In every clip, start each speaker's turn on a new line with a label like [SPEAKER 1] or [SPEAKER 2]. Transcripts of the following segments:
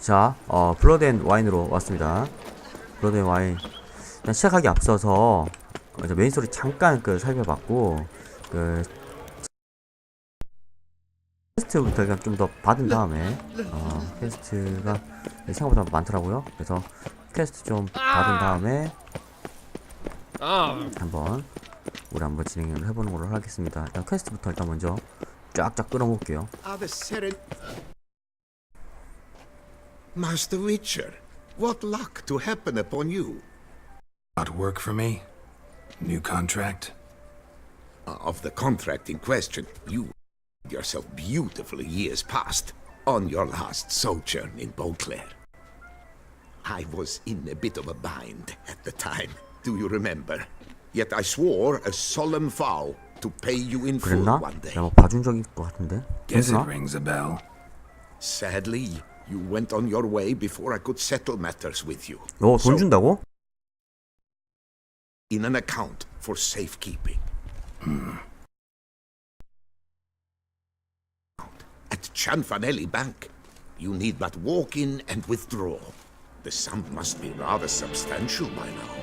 [SPEAKER 1] 자, 블러드 앤 와인으로 왔습니다. 블러드 앤 와인. 일단 시작하기 앞서서 이제 메인 스토리 잠깐 살펴봤고, 퀘스트부터 그냥 좀 더 받은 다음에 퀘스트가 생각보다 많더라고요. 그래서 퀘스트 좀 받은 다음에 우리 한번 진행을 해보는 걸로 하겠습니다. 일단 퀘스트부터 일단 먼저 쫙쫙 끌어볼게요.
[SPEAKER 2] Master Witcher, what luck to happen upon you.
[SPEAKER 3] Got work for me? New contract?
[SPEAKER 2] Of the contract in question, you yourself beautifully years past on your last sojourn in Beauclair. I was in a bit of a bind at the time, do you remember? Yet I swore a solemn vow to pay you in full
[SPEAKER 1] 그랬나?
[SPEAKER 2] one day.
[SPEAKER 1] 내가 뭐 봐준 적이 있을 것 같은데?
[SPEAKER 3] Guess it
[SPEAKER 1] 괜찮아?
[SPEAKER 3] rings a bell.
[SPEAKER 2] Sadly, you went on your way before I could settle matters with you.
[SPEAKER 1] 돈 준다고?
[SPEAKER 2] In an account for safekeeping. At Cianfanelli Bank, you need but walk in and withdraw. The sum must be rather substantial by now.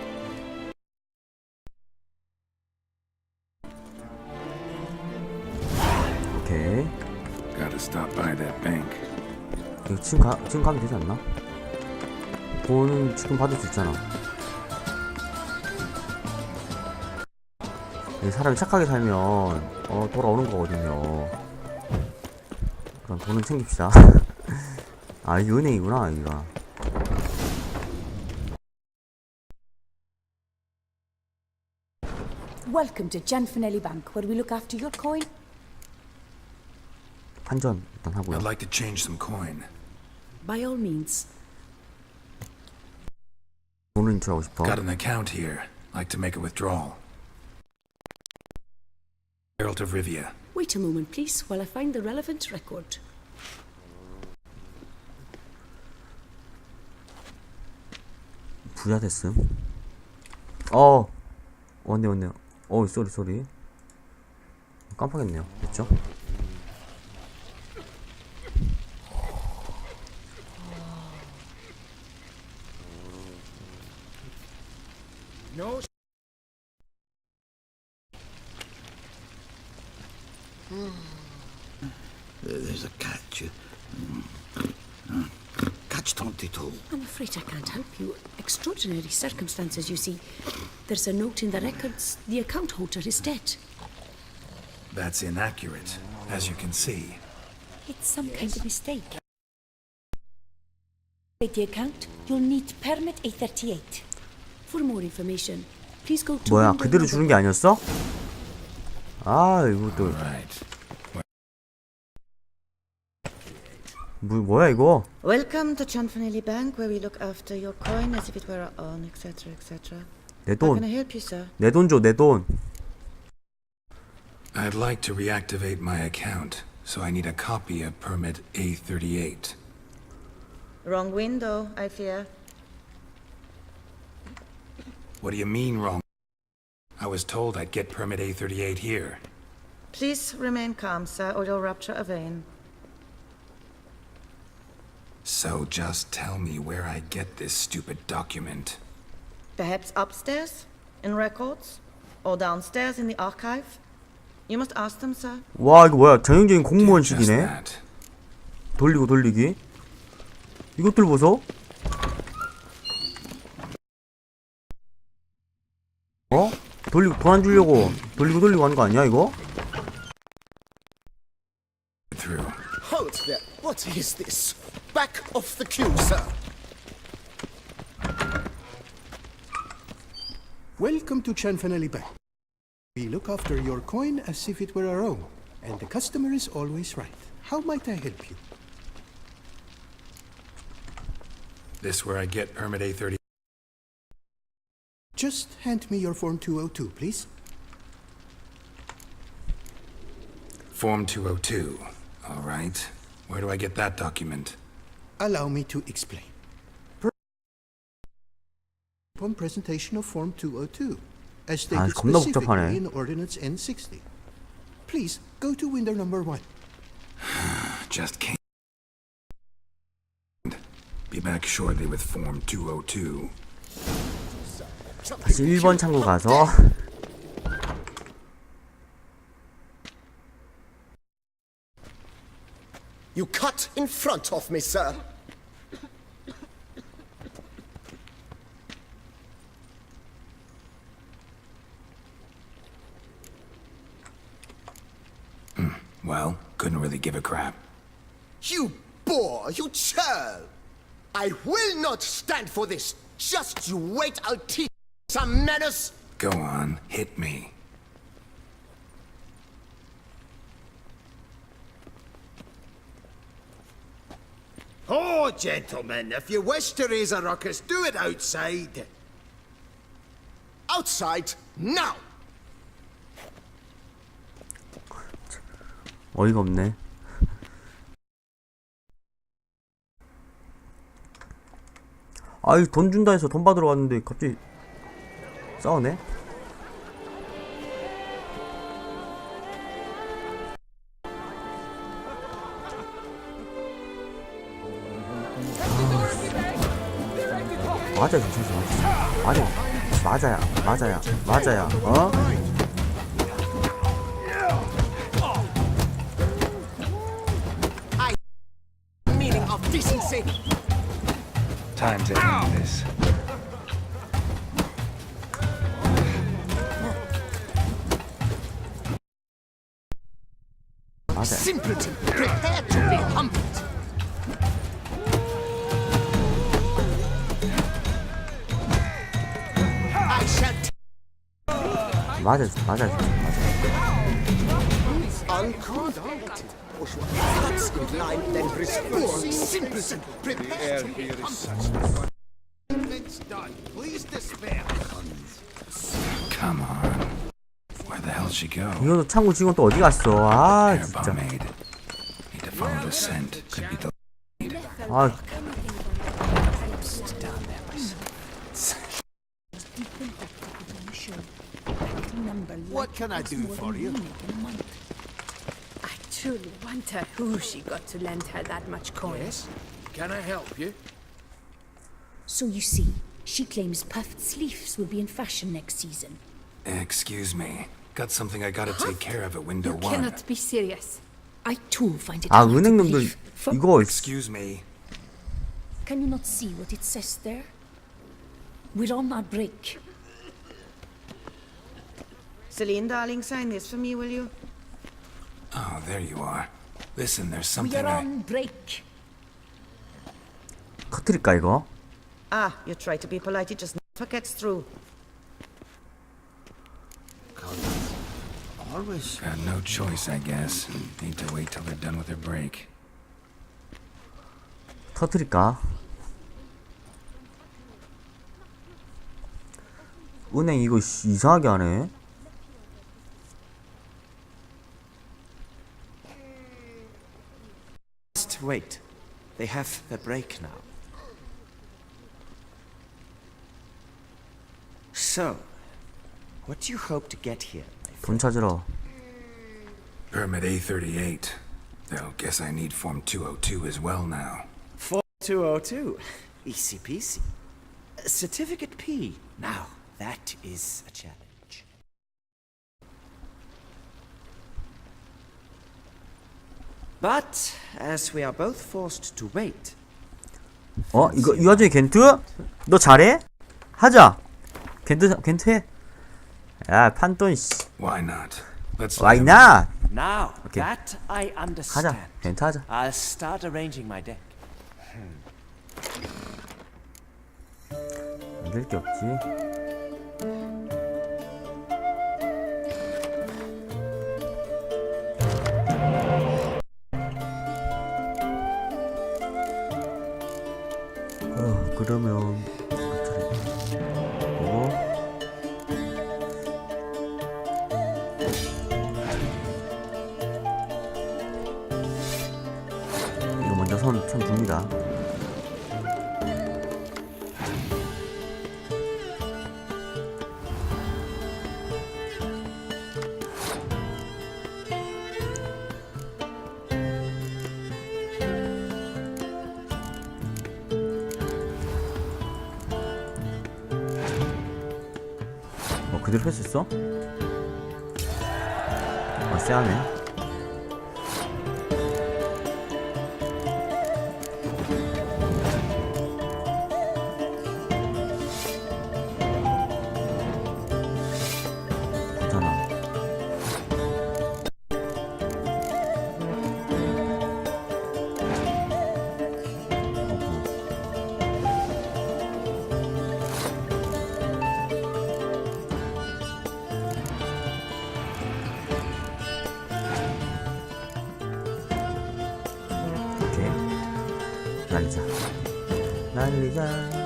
[SPEAKER 1] 오케이.
[SPEAKER 3] Gotta stop by that bank.
[SPEAKER 1] 이거 지금 가면 되지 않나? 돈은 지금 받을 수 있잖아. 이 사람이 착하게 살면 돌아오는 거거든요. 그럼 돈은 챙깁시다. 아, 이게 은행이구나, 여기가.
[SPEAKER 4] Welcome to Cianfanelli Bank, where we look after your coin.
[SPEAKER 1] 환전 일단 하고요.
[SPEAKER 3] I'd like to change some coin.
[SPEAKER 4] By all means.
[SPEAKER 1] 돈을 인출하고 싶어.
[SPEAKER 3] Got an account here. Like to make a withdrawal. Herald of Rivia.
[SPEAKER 4] Wait a moment, please, while I find the relevant record.
[SPEAKER 1] 부자 됐음. 왔네요. 쏘리. 깜빡했네요. 됐죠?
[SPEAKER 2] No. There's a catch. Catch 22.
[SPEAKER 4] I'm afraid I can't help you. Extraordinary circumstances, you see. There's a note in the records. The account holder is dead.
[SPEAKER 3] That's inaccurate, as you can see.
[SPEAKER 4] It's some kind of mistake. With the account, you'll need permit A38. For more information, please go to...
[SPEAKER 1] 뭐야, 그대로 주는 게 아니었어? 아, 이것도.
[SPEAKER 3] Right.
[SPEAKER 1] 뭐야 이거?
[SPEAKER 5] Welcome to Cianfanelli Bank, where we look after your coin as if it were our own, etc., etc.
[SPEAKER 1] 내
[SPEAKER 5] How can
[SPEAKER 1] 돈.
[SPEAKER 5] I help you, sir?
[SPEAKER 1] 내 돈 줘, 내 돈.
[SPEAKER 3] I'd like to reactivate my account, so I need a copy of permit A38.
[SPEAKER 5] Wrong window, I fear.
[SPEAKER 3] What do you mean wrong? I was told I'd get permit A38 here.
[SPEAKER 5] Please remain calm, sir, or you'll rupture a vein.
[SPEAKER 3] So just tell me where I get this stupid document.
[SPEAKER 5] Perhaps upstairs, in records, or downstairs in the archive? You must ask them, sir.
[SPEAKER 1] 와, 이거 뭐야? 전형적인
[SPEAKER 3] Do
[SPEAKER 1] 공무원식이네.
[SPEAKER 3] just that.
[SPEAKER 1] 돌리기. 이것들 보소. 돈 안 주려고 돌리고 하는 거 아니야, 이거?
[SPEAKER 3] Through.
[SPEAKER 2] Hold there. What is this? Back off the queue, sir.
[SPEAKER 6] Welcome to Cianfanelli Bank. We look after your coin as if it were our own, and the customer is always right. How might I help you?
[SPEAKER 3] This where I get permit A30.
[SPEAKER 6] Just hand me your Form 202, please.
[SPEAKER 3] Form 202. All right. Where do I get that document?
[SPEAKER 6] Allow me to explain. Upon presentation of Form 202, as stated
[SPEAKER 1] 겁나
[SPEAKER 6] specifically
[SPEAKER 1] 복잡하네.
[SPEAKER 6] in Ordinance N60. Please go to window number 1.
[SPEAKER 3] Just can't. Be back shortly with Form 202.
[SPEAKER 1] 다시 1번 창고 가서
[SPEAKER 7] You cut in front of me, sir.
[SPEAKER 3] Well, couldn't really give a crap.
[SPEAKER 7] You boor, you churl. I will not stand for this. Just you wait, I'll teach you some manners.
[SPEAKER 3] Go on, hit me.
[SPEAKER 7] Oh, gentlemen, if you wish to raise a ruckus, do it outside. Outside, now!
[SPEAKER 1] 어이가 없네. 아이, 돈 준다 해서 돈 받으러 왔는데 갑자기 싸우네? 맞아, 괜찮지, 맞아. 맞아야, 어?
[SPEAKER 7] Meaning of decency.
[SPEAKER 3] Time to end this.
[SPEAKER 1] 맞아.
[SPEAKER 7] Simpleton, prepare to be humbled. I shall
[SPEAKER 1] 맞아.
[SPEAKER 7] unconducted. Cuts in line, then restore. Simpleton, prepare to be humbled. It's done. Please despair.
[SPEAKER 3] Come on. Where the hell'd she go?
[SPEAKER 1] 이거 창고 직원 또 어디 갔어? 아,
[SPEAKER 3] Air
[SPEAKER 1] 진짜.
[SPEAKER 3] pomade. Need to follow the scent. Could be the
[SPEAKER 1] 아,
[SPEAKER 7] What can I do for you?
[SPEAKER 8] I truly wonder who she got to lend her that much coin.
[SPEAKER 3] Can I help you?
[SPEAKER 4] So you see, she claims puffed sleeves will be in fashion next season.
[SPEAKER 3] Excuse me. Got something I gotta take care of at window
[SPEAKER 8] You
[SPEAKER 3] 1.
[SPEAKER 8] cannot be serious.
[SPEAKER 4] I too find it
[SPEAKER 1] 아,
[SPEAKER 4] hard to
[SPEAKER 1] 은행놈들
[SPEAKER 4] believe.
[SPEAKER 1] 이거
[SPEAKER 3] Excuse me.
[SPEAKER 4] Can you not see what it says there? We're on our break.
[SPEAKER 5] Celine, darling, sign this for me, will you?
[SPEAKER 3] Oh, there you are. Listen, there's
[SPEAKER 4] We
[SPEAKER 3] something
[SPEAKER 4] are on break.
[SPEAKER 1] 터뜨릴까 이거?
[SPEAKER 5] Ah, you try to be polite, it just never gets through.
[SPEAKER 7] Always.
[SPEAKER 3] Got no choice, I guess. Need to wait till they're done with their break.
[SPEAKER 1] 터뜨릴까? 은행 이거 이상하게 하네.
[SPEAKER 9] Just wait. They have their break now. So, what do you hope to get here?
[SPEAKER 1] 돈 찾으러.
[SPEAKER 3] Permit A38. Though, guess I need Form 202 as well now.
[SPEAKER 9] Form 202. Easy peasy. Certificate P. Now, that is a challenge. But, as we are both forced to wait,
[SPEAKER 1] 어? 이거 이 와중에 겐트? 너 잘해? 하자. 겐트 해. 야, 판돈 씨.
[SPEAKER 3] Why not? Let's
[SPEAKER 1] Why
[SPEAKER 3] let 'em-
[SPEAKER 1] not?
[SPEAKER 9] now
[SPEAKER 1] Okay.
[SPEAKER 9] that I understand,
[SPEAKER 1] 하자. 겐트 하자.
[SPEAKER 9] I'll start arranging my deck.
[SPEAKER 1] 만들 게 없지. 그러면 이거 먼저 선 둡니다. 그대로 할 수 있어? 아, 쎄하네. 괜찮아. 오케이. 날리자. 날리자.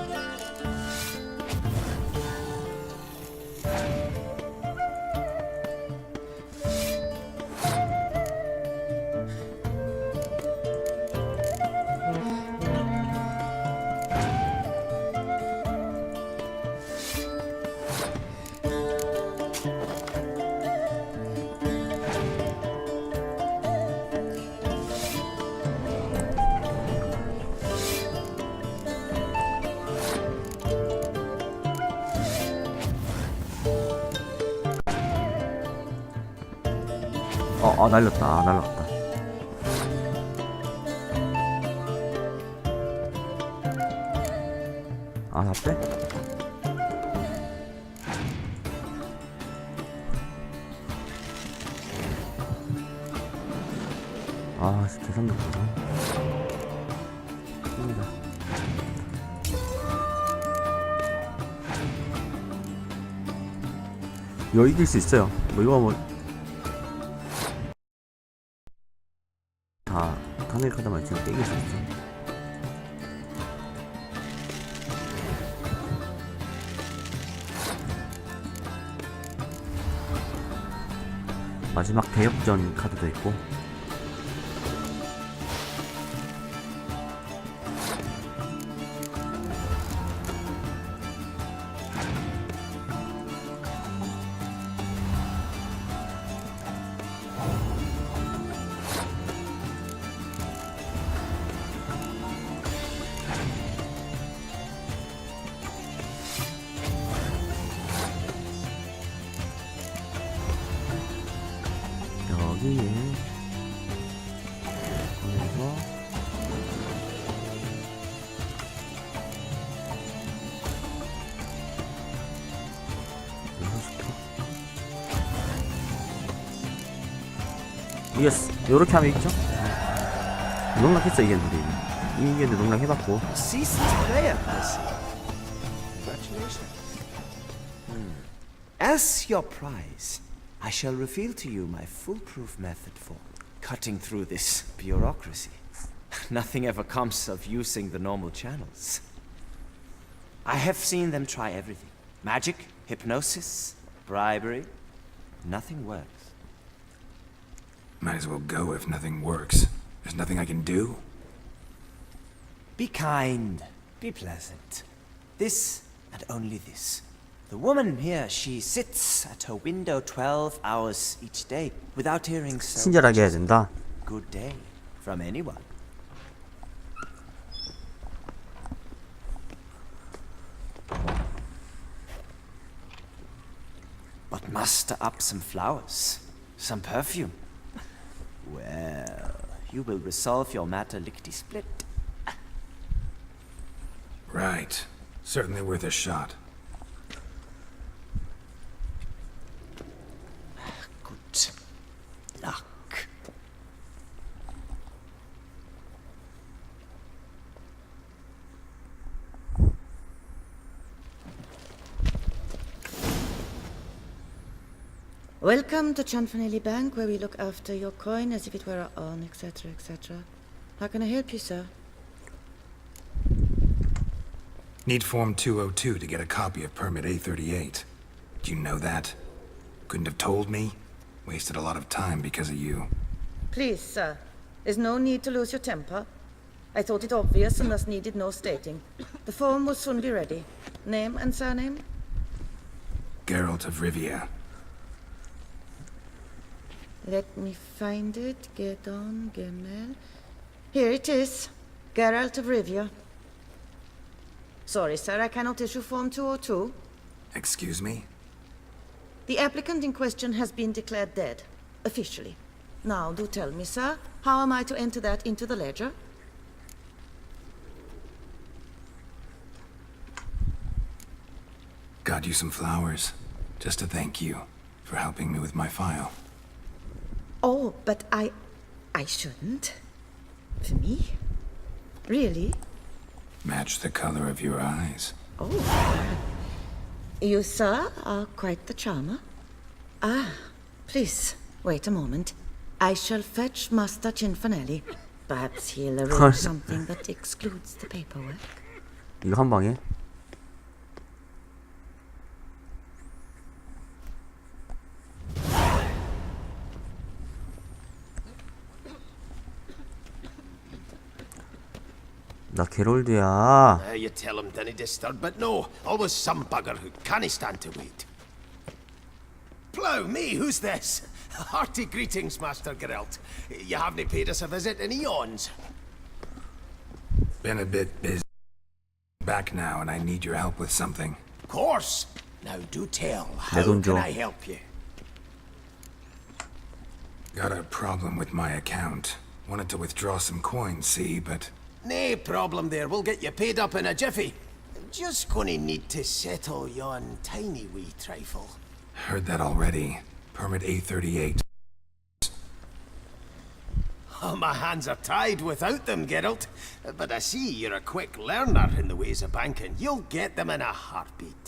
[SPEAKER 1] 날렸다. 날랐다. 다 빼? 계산도 보자. 이거 이길 수 있어요. 이거 단일 카드만 지금 이길 수 있어. 마지막 대역전 카드도 있고. 여기에 그래서 이겼어. 요렇게 하면 이기죠? 농락했어. 이겼는데 이겼는데 농락해봤고.
[SPEAKER 9] Seasoned player, I see. Congratulations. As your prize, I shall reveal to you my foolproof method for cutting through this bureaucracy. Nothing ever comes of using the normal channels. I have seen them try everything. Magic, hypnosis, bribery. Nothing works.
[SPEAKER 3] Might as well go if nothing works. There's nothing I can do.
[SPEAKER 9] Be kind. Be pleasant. This and only this. The woman here, she sits at her window 12 hours each day without hearing so
[SPEAKER 1] 친절하게 해야 된다.
[SPEAKER 9] good day from anyone. But muster up some flowers, some perfume. Well, you will resolve your matter lickety-split.
[SPEAKER 3] Right. Certainly worth a shot.
[SPEAKER 9] Good luck.
[SPEAKER 5] Welcome to Chanfanelli Bank, where we look after your coin as if it were our own, etc., etc. How can I help you, sir?
[SPEAKER 3] Need Form 202 to get a copy of Permit A38. Do you know that? Couldn't have told me? Wasted a lot of time because of you.
[SPEAKER 5] Please, sir. There's no need to lose your temper. I thought it obvious and thus needed no stating. The form will soon be ready. Name and surname?
[SPEAKER 3] Geralt of Rivia.
[SPEAKER 5] Let me find it. Gedon Gemel. Here it is. Geralt of Rivia. Sorry, sir, I cannot issue Form 202.
[SPEAKER 3] Excuse me?
[SPEAKER 5] The applicant in question has been declared dead, officially. Now, do tell me, sir, how am I to enter that into the ledger?
[SPEAKER 3] Got you some flowers, just to thank you for helping me with my file.
[SPEAKER 5] Oh, but I shouldn't. For me? Really?
[SPEAKER 3] Match the color of your eyes.
[SPEAKER 5] Oh. You, sir, are quite the charmer. Ah, please, wait a moment. I shall fetch Master Cinfanelli. Perhaps he'll arrange something that excludes the paperwork.
[SPEAKER 1] 이거 한 방에? 나 게롤드야.
[SPEAKER 7] You tell him dinna disturb, but no, always some bugger who can't stand to wait. Plough me, who's this? Hearty greetings, Master Geralt. You haven't paid us a visit in eons.
[SPEAKER 3] Been a bit busy. Back now, and I need your help with something.
[SPEAKER 7] Of course. Now do tell.
[SPEAKER 1] 내
[SPEAKER 7] How
[SPEAKER 1] 돈
[SPEAKER 7] can
[SPEAKER 1] 줘.
[SPEAKER 7] I help you?
[SPEAKER 3] Got a problem with my account. Wanted to withdraw some coins, see, but
[SPEAKER 7] No problem there. We'll get you paid up in a jiffy. Just gonna need to settle yon tiny wee trifle.
[SPEAKER 3] heard that already. Permit A38.
[SPEAKER 7] Oh, my hands are tied without them, Geralt. But I see you're a quick learner in the ways of banking. You'll get them in a heartbeat.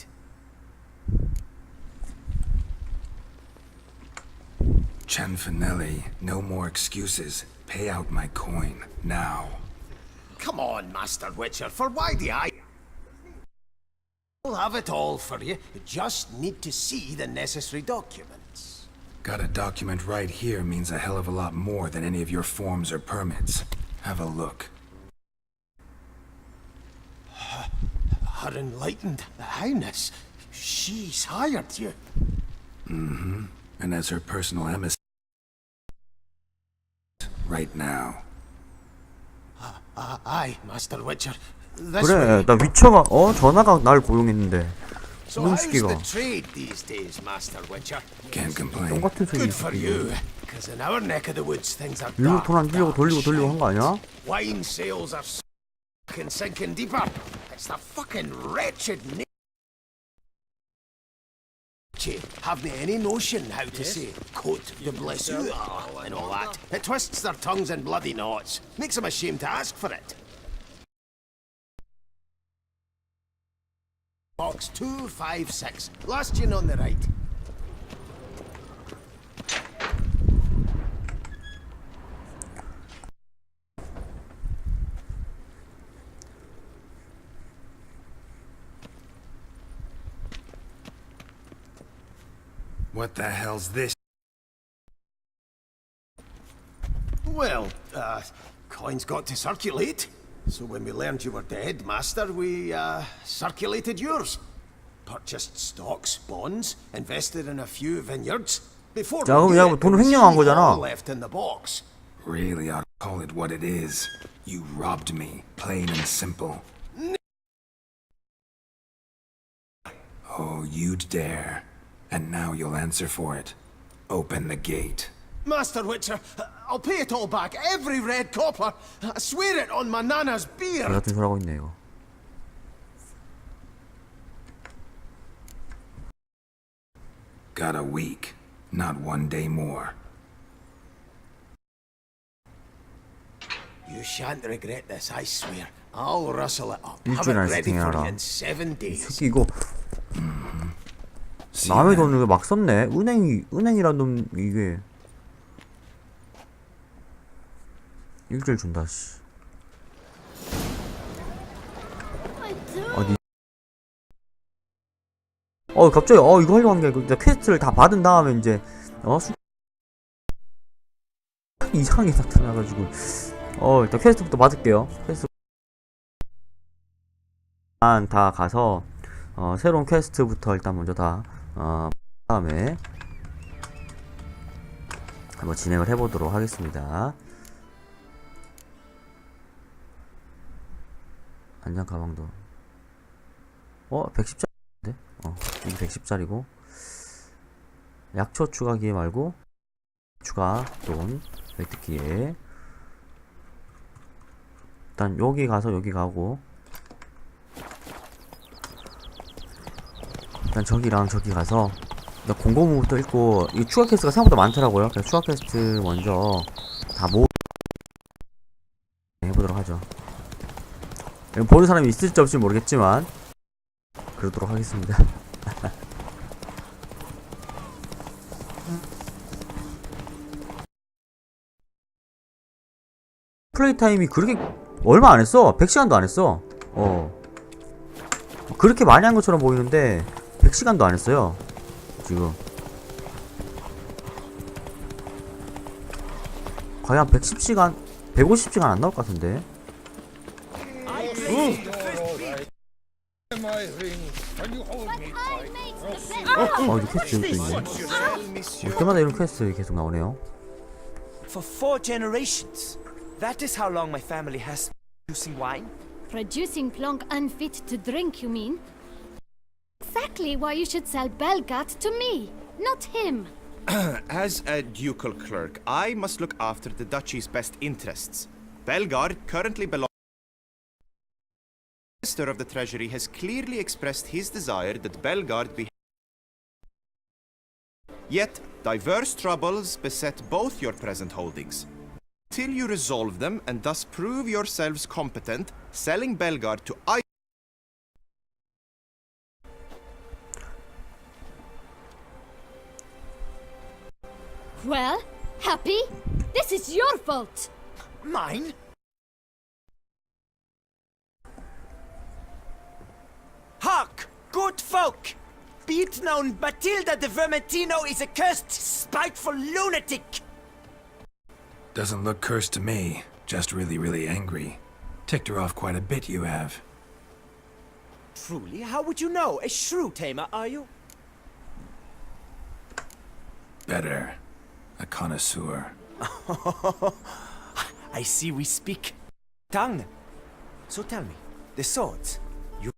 [SPEAKER 3] Cianfanelli, no more excuses. Pay out my coin, now.
[SPEAKER 7] Come on, Master Witcher, for why the I... We'll have it all for you. You just need to see the necessary documents.
[SPEAKER 3] Got a document right here means a hell of a lot more than any of your forms or permits. Have a look.
[SPEAKER 7] Her enlightened highness. She's hired you.
[SPEAKER 3] Mm-hmm. And as her personal emissary right now.
[SPEAKER 7] Aye, Master Witcher. This
[SPEAKER 1] 그래,
[SPEAKER 7] way.
[SPEAKER 1] 나 위쳐가 전화가 날 고용했는데
[SPEAKER 7] So
[SPEAKER 1] 이놈
[SPEAKER 7] how's
[SPEAKER 1] 시기가
[SPEAKER 7] the trade these days, Master Witcher?
[SPEAKER 3] Can't complain.
[SPEAKER 1] 똥같은 소리
[SPEAKER 7] Good for you, because in our neck of the woods things are
[SPEAKER 1] 일로
[SPEAKER 7] dark,
[SPEAKER 1] 돈 안 주려고
[SPEAKER 7] dark,
[SPEAKER 1] 돌리고 한 거 아니야?
[SPEAKER 7] Wine sales are sinking deeper. It's the fucking wretched Have they any notion how to say Cote de Blessure and all that? It twists their tongues in bloody knots. Makes them ashamed to ask for it. Box 256. Last in on the right.
[SPEAKER 3] What the hell's this?
[SPEAKER 7] Well, coins got to circulate. So when we learned you were dead, Master, we, circulated yours. Purchased stocks, bonds, invested in a few vineyards. Before
[SPEAKER 1] 자, 그럼
[SPEAKER 7] we
[SPEAKER 1] 야,
[SPEAKER 7] knew it,
[SPEAKER 1] 돈을
[SPEAKER 7] there was
[SPEAKER 1] 횡령한
[SPEAKER 7] all
[SPEAKER 1] 거잖아.
[SPEAKER 7] left in the box.
[SPEAKER 3] Really ought to call it what it is. You robbed me, plain and simple. Oh, you'd dare. And now you'll answer for it. Open the gate.
[SPEAKER 7] Master Witcher, I'll pay it all back, every red copper. I swear it on my nana's
[SPEAKER 1] 개
[SPEAKER 7] beard.
[SPEAKER 1] 같은 소리 하고 있네 이거.
[SPEAKER 3] Got a week, not one day more.
[SPEAKER 7] You shan't regret this, I swear. I'll rustle it up. Have
[SPEAKER 1] 일주일
[SPEAKER 7] it
[SPEAKER 1] 안에
[SPEAKER 7] ready for you
[SPEAKER 1] 세팅해라.
[SPEAKER 7] in 7 days.
[SPEAKER 1] 새끼 이거
[SPEAKER 3] See
[SPEAKER 1] 남의
[SPEAKER 3] then.
[SPEAKER 1] 돈을 왜 막 썼네? 은행이란 놈 이게 일주일 준다 씨. 어디? 갑자기 이거 하려고 한 게 아니고 퀘스트를 다 받은 다음에 이제 이상하게 나타나가지고 일단 퀘스트부터 받을게요. 퀘스트 일단 다 가서 새로운 퀘스트부터 일단 먼저 다 다음에 한번 진행을 해보도록 하겠습니다. 안장 가방도 110짜리인데? 이게 110짜리고 약초 추가 기회 말고 추가 돈 획득 기회. 일단 여기 가서 여기 가고, 일단 저기랑 저기 가서 공고문부터 읽고, 이 추가 퀘스트가 생각보다 많더라고요. 그래서 추가 퀘스트 먼저 다 해보도록 하죠. 보는 사람이 있을지 없을지 모르겠지만 그러도록 하겠습니다. 플레이 타임이 그렇게 얼마 안 했어. 100시간도 안 했어. 그렇게 많이 한 것처럼 보이는데 100시간도 안 했어요. 지금 거의 한 110시간, 150시간 안 나올 것 같은데. 이거 퀘스트 또 있네. 올 때마다 이런 퀘스트 계속 나오네요.
[SPEAKER 9] For 4 generations. That is how long my family has been producing wine.
[SPEAKER 10] Producing plonk unfit to drink, you mean? Exactly why you should sell Belgat to me, not him.
[SPEAKER 11] As a ducal clerk, I must look after the duchy's best interests. Belgard currently belongs. The Minister of the Treasury has clearly expressed his desire that Belgard be. Yet, diverse troubles beset both your present holdings. Till you resolve them and thus prove yourselves competent, selling Belgard to I.
[SPEAKER 10] Well, Happy? This is your fault!
[SPEAKER 9] Mine? Hark, good folk! Be it known, Batilda de Vermentino is a cursed, spiteful lunatic!
[SPEAKER 3] Doesn't look cursed to me. Just really, really angry. Ticked her off quite a bit, you have.
[SPEAKER 9] Truly? How would you know? A shrew tamer, are you?
[SPEAKER 3] Better. A connoisseur.
[SPEAKER 9] I see we speak tongue. So tell me, the swords, you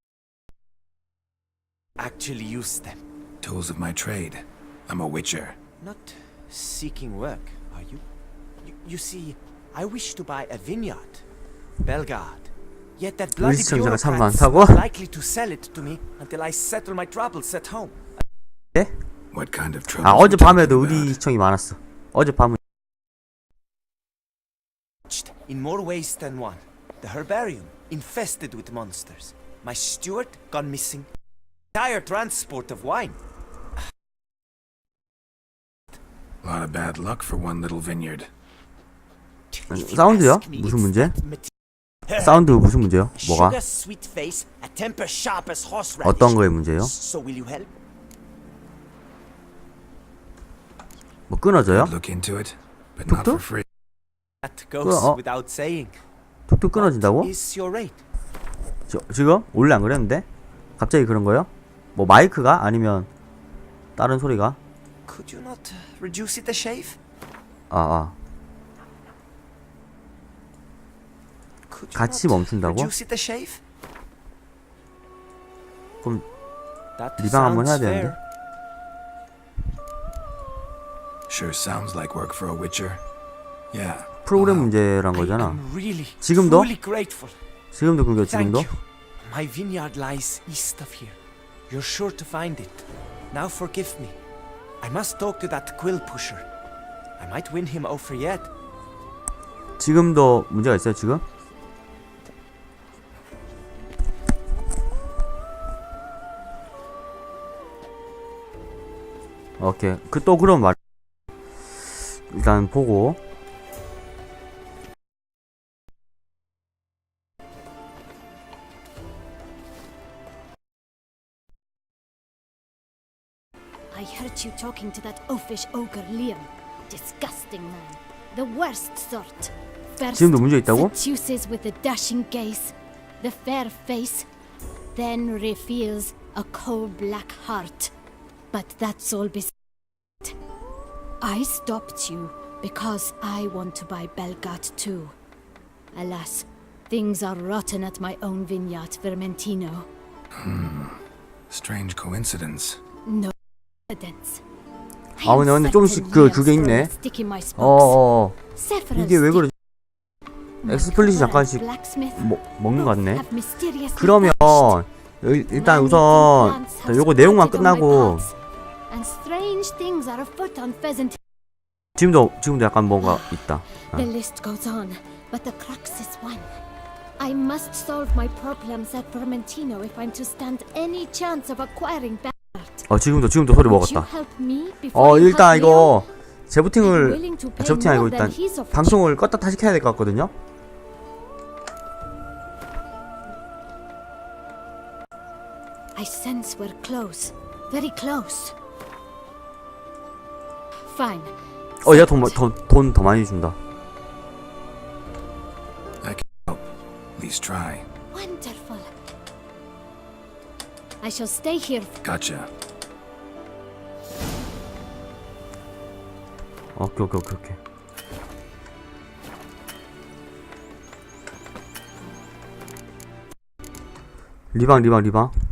[SPEAKER 9] actually use them?
[SPEAKER 3] Tools of my trade. I'm a witcher.
[SPEAKER 9] Not seeking work, are you? You see, I wish to buy a vineyard. Belgard. Yet that bloody
[SPEAKER 1] 시청자가 참
[SPEAKER 9] bureaucrat's
[SPEAKER 1] 많다고?
[SPEAKER 9] not likely to sell it to me until I settle my troubles at home.
[SPEAKER 1] 네?
[SPEAKER 3] What kind of trouble?
[SPEAKER 1] 어젯밤에도 의리 시청이 많았어. 어젯밤은
[SPEAKER 9] In more ways than one. The herbarium, infested with monsters. My steward, gone missing. Entire transport of wine.
[SPEAKER 3] A lot of bad luck for one little vineyard.
[SPEAKER 1] 사운드요? 무슨 문제? 사운드 무슨 문제요? 뭐가?
[SPEAKER 9] Sugar sweet face, a temper sharp as horseradish.
[SPEAKER 1] 어떤 거의 문제요?
[SPEAKER 9] So will you help?
[SPEAKER 1] 뭐 끊어져요?
[SPEAKER 3] Look into it, but not for free.
[SPEAKER 9] That goes without saying.
[SPEAKER 1] 툭툭 끊어진다고?
[SPEAKER 9] Is your rate?
[SPEAKER 1] 지금? 원래 안 그랬는데? 갑자기 그런 거요? 뭐 마이크가? 아니면 다른 소리가?
[SPEAKER 9] Could you not reduce it a shave? Could you
[SPEAKER 1] 같이
[SPEAKER 9] not
[SPEAKER 1] 멈춘다고?
[SPEAKER 9] Reduce it a shave?
[SPEAKER 1] 그럼
[SPEAKER 9] That
[SPEAKER 1] 리방 한번 해야
[SPEAKER 9] sounds
[SPEAKER 1] 되는데?
[SPEAKER 9] fair.
[SPEAKER 3] Sure sounds like work for a witcher. Yeah.
[SPEAKER 1] 프로그램 문제란 거잖아.
[SPEAKER 9] I'm really,
[SPEAKER 1] 지금도?
[SPEAKER 9] truly grateful.
[SPEAKER 1] 지금도 끊겨,
[SPEAKER 9] Thank
[SPEAKER 1] 지금도?
[SPEAKER 9] you. My vineyard lies east of here. You're sure to find it. Now forgive me. I must talk to that quill pusher. I might win him over yet.
[SPEAKER 1] 지금도 문제가 있어요, 지금? 오케이. 또 그럼 말. 일단 보고.
[SPEAKER 10] I heard you talking to that oafish ogre Liam. Disgusting man. The worst sort. First,
[SPEAKER 1] 지금도 문제 있다고?
[SPEAKER 10] seduces with the dashing gaze, the fair face, then reveals a cold black heart. But that's all beside. I stopped you because I want to buy Belgat too. Alas, things are rotten at my own vineyard, Vermentino.
[SPEAKER 3] Strange coincidence.
[SPEAKER 10] No evidence.
[SPEAKER 1] 아 근데 조금씩 그게 있네. 이게 왜 그러지? 엑스플릿이 잠깐씩 먹는 것 같네. 그러면 일단 우선 요거 내용만 끝나고 지금도 약간 뭔가 있다.
[SPEAKER 10] The list goes on, but the crux is one. I must solve my problems at Vermentino if I'm to stand any chance of acquiring Bernard.
[SPEAKER 1] 지금도 소리 먹었다. 일단 이거 재부팅이 아니고 일단 방송을 껐다 다시 켜야 될 것 같거든요.
[SPEAKER 10] I sense we're close, very close. Fine.
[SPEAKER 1] 얘가 돈 더 많이 준다.
[SPEAKER 3] I can help. At least try.
[SPEAKER 10] Wonderful. I shall stay here.
[SPEAKER 3] Gotcha.
[SPEAKER 1] 오케이. 리방.